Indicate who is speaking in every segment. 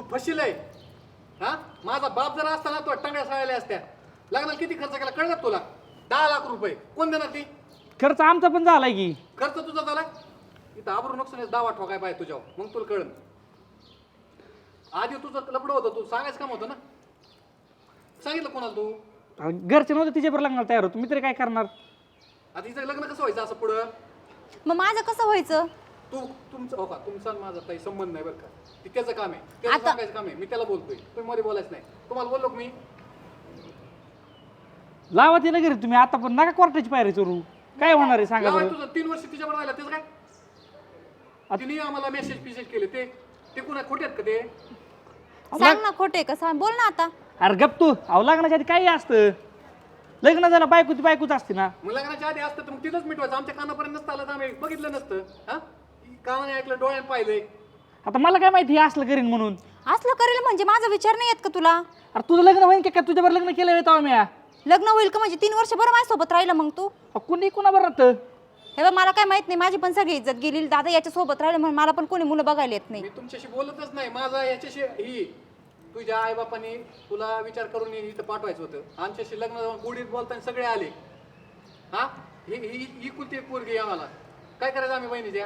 Speaker 1: फशीलय हा. माझा बाप जर असता ना तो टांगड्या साळल्या असत्या. लग्नाला किती खर्च केला कळलं का तुला? 10 लाख रुपये कोण देणार ती?
Speaker 2: खर्च आमचा पण झालाय की.
Speaker 1: खर्च तुझा झाला इथं आबरू नुकसान दावा ठोकाय पाहिजे तुझ्यावर मग तुला कळलं. आधी तुझं लपडं होतं तू सांगायचं काम होतं ना. सांगितलं कोणाला तू?
Speaker 2: घरचे नव्हते तिच्यावर लग्नाला तयार होतो मी तरी काय करणार.
Speaker 1: आता हिचं लग्न कसं व्हायचं असं पुढं?
Speaker 3: मग माझं कसं व्हायचं?
Speaker 1: तुमचं हो का तुमचा माझा काही संबंध नाही बरं का. ती त्याचं काम आहे त्याचं
Speaker 3: आता-
Speaker 1: सांगायचं काम आहे. मी त्याला बोलतोय तुम्ही मध्ये बोलायचं नाही. तुम्हाला बोललो का मी?
Speaker 2: लावा तिला घरी तुम्ही आता पण नका कोर्टाची पायरी चोरू. काय होणार आहे सांगा
Speaker 1: लावाय
Speaker 2: बरं.
Speaker 1: तुझं 3 वर्ष तिच्यावर राहिला त्याचं काय? तिने आम्हाला मेसेज केले ते कुणा खोटे आहेत का ते?
Speaker 3: सांग ना खोटे का सांग बोल ना आता.
Speaker 2: अरे गप तू. अहो लग्नाच्या आधी काही असतं. लग्न झालं बायकोच असते ना.
Speaker 1: मग लग्नाच्या आधी असतं तर मग तिथंच मिटवायचं. आमच्या कानापर्यंत नसतं आलं तर आम्ही बघितलं नसतं. हा कानाने ऐकलं डोळ्याने पाहिलंय.
Speaker 2: आता मला काय माहिती हे असलं करीन म्हणून.
Speaker 3: असलं करेल म्हणजे माझा विचार नाही येत का तुला?
Speaker 2: अरे तुझं लग्न होईन का तुझ्यावर लग्न केलं येतो मी.
Speaker 3: लग्न होईल का म्हणजे 3 वर्ष बरं माझ्यासोबत राहिलं मग तू?
Speaker 2: कुणी कुणावर राहतं.
Speaker 3: हे बघ मला काय माहित नाही. माझी पण सगळी इज्जत गेली. दादा याच्या सोबत राहिलं म्हणून मला पण कोणी मुलं बघायला येत नाही.
Speaker 1: मी तुमच्याशी बोलतच नाही. माझा याच्याशी ही तुझ्या आईबापांनी तुला विचार करून इथं पाठवायचं होतं. आमच्याशी लग्न जाऊन गुढीत बोलताना सगळे आले. हा ही कुलती एक पोरगी आहे आम्हाला. काय करायचं आम्ही बहिणीच्या?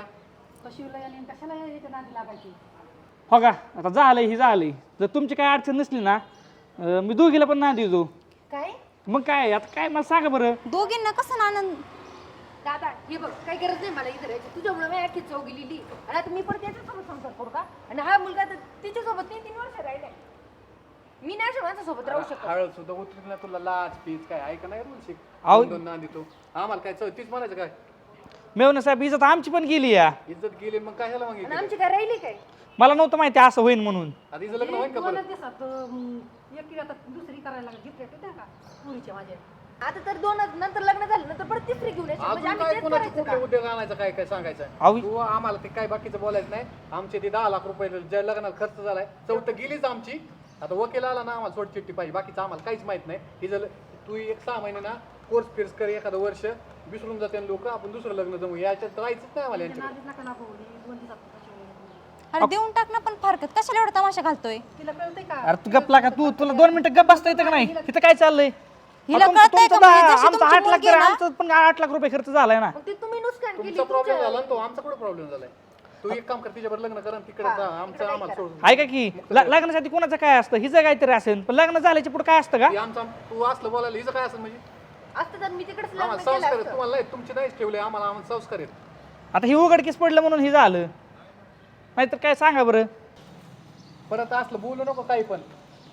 Speaker 2: हो का आता झालंय ही झालंय. जर तुमची काय अडचण नसली ना मी दोघीला पण ना देऊ.
Speaker 4: काय
Speaker 2: मग काय आता काय मला सांगा बरं.
Speaker 3: दोघींना कसं ना आनंद?
Speaker 4: दादा हे बघ काही गरज नाही मला इथे राहायची. तुझ्यामुळे मी अख्खी चौ गेलेली आणि आता मी पण त्याच्यासोबत संसार करू का? आणि हा मुलगा तर तिच्यासोबत 3 वर्ष राहिलाय. मी नाही अशा माझ्यासोबत राहू शकत.
Speaker 1: हळद सुद्धा उतरली ना तुला लाच पीच काय ऐका नाही बोल शिक.
Speaker 2: आहो.
Speaker 1: दोन ना देतो आम्हाला काय तीच म्हणायचं काय?
Speaker 2: मेवणे साहेब इज्जत आमची पण गेली या.
Speaker 1: इज्जत गेली मग काय ह्याला मग
Speaker 4: आणि
Speaker 1: इकडे?
Speaker 4: आमची काय राहिली काय?
Speaker 2: मला नव्हतं माहिती असं होईन म्हणून.
Speaker 1: आता हिचं लग्न होईल का परत?
Speaker 4: दुसरी करायला लागली का पुरीच्या माझ्या. आता तर 2 नंतर लग्न झालं नंतर परत तिसरी घेऊन यायची. म्हणजे
Speaker 1: अजून
Speaker 4: आम्ही
Speaker 1: काय
Speaker 4: तेच
Speaker 1: कोणाचे
Speaker 4: करायचं
Speaker 1: कुठले
Speaker 4: का?
Speaker 1: उद्योग आणायचं काय काय सांगायचं?
Speaker 2: अहो.
Speaker 1: तू आम्हाला ते काय बाकीचं बोलायचं नाही. आमचे ते 10 लाख रुपये ज्या लग्नाला खर्च झालाय चौथं गेलीच आमची. आता वकील आला ना आम्हाला सोड चिठ्ठी पाहिजे. बाकीचं आम्हाला काहीच माहित नाही. ही जर तू 1-6 महिने ना कोर्स फिर्स कर एखादं वर्ष विसरून जाते लोक. आपण दुसरं लग्न जमू याच्यात राहायचंच नाही आम्हाला यांच्याकडे.
Speaker 3: अरे देऊन टाक ना पण फारकत कशाला एवढा तमाशा घालतोय?
Speaker 4: तिला कळतंय का?
Speaker 2: अरे तू गपला का तुला 2 मिनिटं गप बसता येतं का नाही. इथं काय चाललंय.
Speaker 3: हिला
Speaker 2: तुमचं-
Speaker 3: कळतंय का
Speaker 2: तुमचं
Speaker 3: म्हणजे
Speaker 2: दहा-
Speaker 3: जशी
Speaker 2: आमचं
Speaker 3: तुमची
Speaker 2: 8 लाख
Speaker 3: मुलगी आहे ना?
Speaker 2: आमचं पण 8 लाख रुपये खर्च झालाय ना.
Speaker 4: मग ते तुम्ही नुकसान केली.
Speaker 1: तुमचा प्रॉब्लेम झाला ना तो आमचा कुठे प्रॉब्लेम झालाय? तू एक काम कर तिच्यावर लग्न कर आणि तिकडे जा. आमचं आम्हाला सोडून
Speaker 2: आहे का की लग्नासाठी कोणाचं काय असतं हिचं काहीतरी असेल पण लग्न झाल्याच्या पुढे काय असतं का.
Speaker 1: हे आमचा तू असलं बोलायला हिचं काय असेल म्हणजे?
Speaker 4: असतं तर मी तिकडेच
Speaker 1: आम्हाला
Speaker 4: लग्न केलं
Speaker 1: संस्कार आहेत
Speaker 4: असतं.
Speaker 1: तुम्हाला नाही. तुमचे नाहीच ठेवले आम्हाला संस्कार आहेत.
Speaker 2: आता ही उघडकीस पडलं म्हणून हे झालं नाहीतर काय सांगा बरं.
Speaker 1: परत असलं बोलू नको काही पण.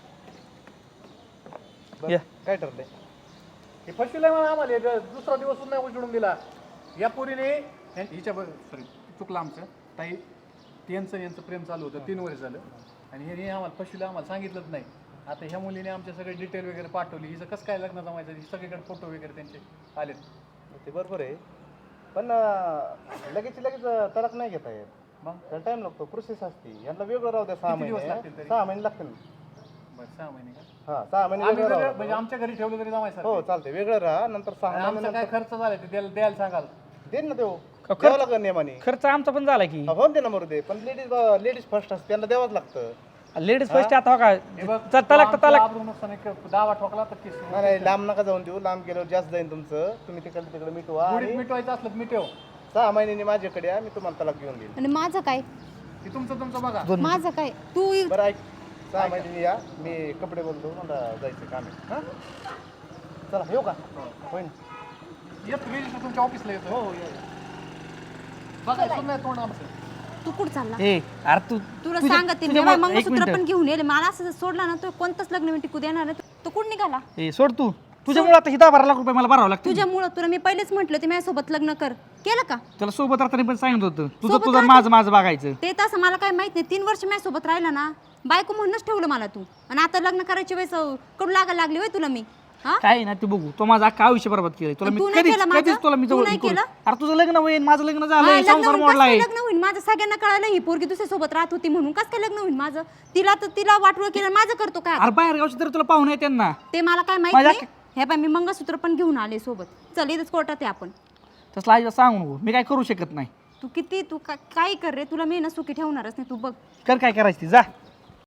Speaker 2: या.
Speaker 1: काय ठरलंय? हे फसविलंय मला आम्हाला. दुसरा दिवस सुद्धा नाही उजडून दिला. या पोरीने हिच्या सॉरी चुकलं आमचं ताई. यांचं प्रेम चालू होतं 3 वर्ष झालं आणि हे आम्हाला फसविलं. आम्हाला सांगितलंच नाही. आता ह्या मुलीने आमचे सगळे डिटेल वगैरे पाठवली. हिचं कसं काय लग्न जमायचं सगळीकडे फोटो वगैरे त्यांचे आलेत.
Speaker 5: ते बरोबर आहे पण लगेच तडक नाही घेता येत. मग टाइम लागतो प्रोसेस असते. यांना वेगळं राहू द्या. 6
Speaker 1: किती दिवस
Speaker 5: महिने
Speaker 1: लागतील तरी?
Speaker 5: 6 महिने लागतील.
Speaker 1: बरं 6 महिने का?
Speaker 5: हा 6 महिने
Speaker 1: आम्ही
Speaker 5: वेगळं
Speaker 1: वेगळं-
Speaker 5: राहू
Speaker 1: म्हणजे आमच्या घरी ठेवलं तरी जमायचं.
Speaker 5: हो चालते वेगळं राहा नंतर 6
Speaker 1: आमचा
Speaker 5: महिने
Speaker 1: काय खर्च झालाय ते द्यायला सांगाल.
Speaker 5: देईन ना देऊ
Speaker 2: खर्च-
Speaker 5: द्यावं लागेल नियमाने.
Speaker 2: खर्च आमचा पण झाला की.
Speaker 5: हो दे ना मरू दे पण लेडीज फर्स्ट असते त्यांना द्यावंच लागतं.
Speaker 2: लेडीज फर्स्ट आता हो का
Speaker 1: हे बघ,
Speaker 2: तलाक तर
Speaker 1: आमचं
Speaker 2: तलाक.
Speaker 1: आबरू नुकसान एक दावा ठोकला तर केस.
Speaker 5: नाही लांब नका जाऊन देऊ. लांब गेल्यावर जास्त जाईन तुमचं. तुम्ही तिकडे मिटवा
Speaker 1: गुढीत
Speaker 5: आणि
Speaker 1: मिटवायचं असलं तर मिटव.
Speaker 5: 6 महिन्यांनी माझ्याकडे या. मी तुम्हाला तलाक घेऊन देईन.
Speaker 3: आणि माझं काय?
Speaker 1: ते तुमचं बघा.
Speaker 3: माझं काय? तू
Speaker 5: बरं ऐक 6 महिन्यांनी या. मी कपडे बोलतो मला जायचं काम आहे. हां चला येऊ का होईन.
Speaker 1: येत रजिस्टर तुमच्या ऑफिसला येतो. हो बघा सुद्धा नाही तोंड आमचं.
Speaker 3: तू कुठं चालला?
Speaker 2: ए अरे तू
Speaker 3: तुला
Speaker 2: तुझ्या-
Speaker 3: सांगते मी
Speaker 2: तुझ्या- एक
Speaker 3: मंगळसूत्र
Speaker 2: मिनिटं.
Speaker 3: पण घेऊन येईल. मला असं सोडला ना तो कोणतंच लग्न मी टिकू देणार नाही. तो कुठं निघाला?
Speaker 2: ए सोड तू तुझ्यामुळे आता ही 10-12 लाख रुपये मला भरावं लागतं.
Speaker 3: तुझ्यामुळं तुला मी पहिलेच म्हटलं ते माझ्यासोबत लग्न कर. केलं का?
Speaker 2: त्याला सोबत राहताना पण सांगितलं होतं तुझं
Speaker 3: सोबत
Speaker 2: तुझं
Speaker 3: राहता-
Speaker 2: माझं बघायचं.
Speaker 3: ते तसं मला काय माहित नाही. 3 वर्ष माझ्यासोबत राहिला ना बायको म्हणूनच ठेवलं मला तू. आणि आता लग्न करायची वेळेस कडू लागायला लागली होय तुला मी. हा
Speaker 2: काय ना ते बघू तो माझं अख्खा आयुष्य बरबाद केलं तुला.
Speaker 3: तू
Speaker 2: मी
Speaker 3: नाही
Speaker 2: कधीच
Speaker 3: केलं माझं?
Speaker 2: कधीच तुला मी
Speaker 3: तू
Speaker 2: जवळ
Speaker 3: नाही
Speaker 2: करू-
Speaker 3: केलं?
Speaker 2: अरे तुझं लग्न होईल माझं लग्न
Speaker 3: हा,
Speaker 2: झालंय
Speaker 3: लग्न
Speaker 2: संसार
Speaker 3: होईल.
Speaker 2: मोडलाय.
Speaker 3: कसं काय लग्न होईल माझं? सगळ्यांना कळालं ही पोरगी दुसऱ्या सोबत राहत होती म्हणून. कसं काय लग्न होईल माझं? तिला वाटवं केलं माझं करतो काय?
Speaker 2: अरे बाहेर गावची तर तुला पाहुणे येते ना.
Speaker 3: ते मला काय माहित
Speaker 2: माझ्या-
Speaker 3: नाही. हे बाय मी मंगळसूत्र पण घेऊन आले सोबत. चल इथेच कोर्टात आहे आपण.
Speaker 2: तसला आईला सांगू नको मी काय करू शकत नाही.
Speaker 3: तू काय कर रे. तुला मी ना सुखी ठेवणारच नाही. तू बघ
Speaker 2: कर काय करायचं ती जा.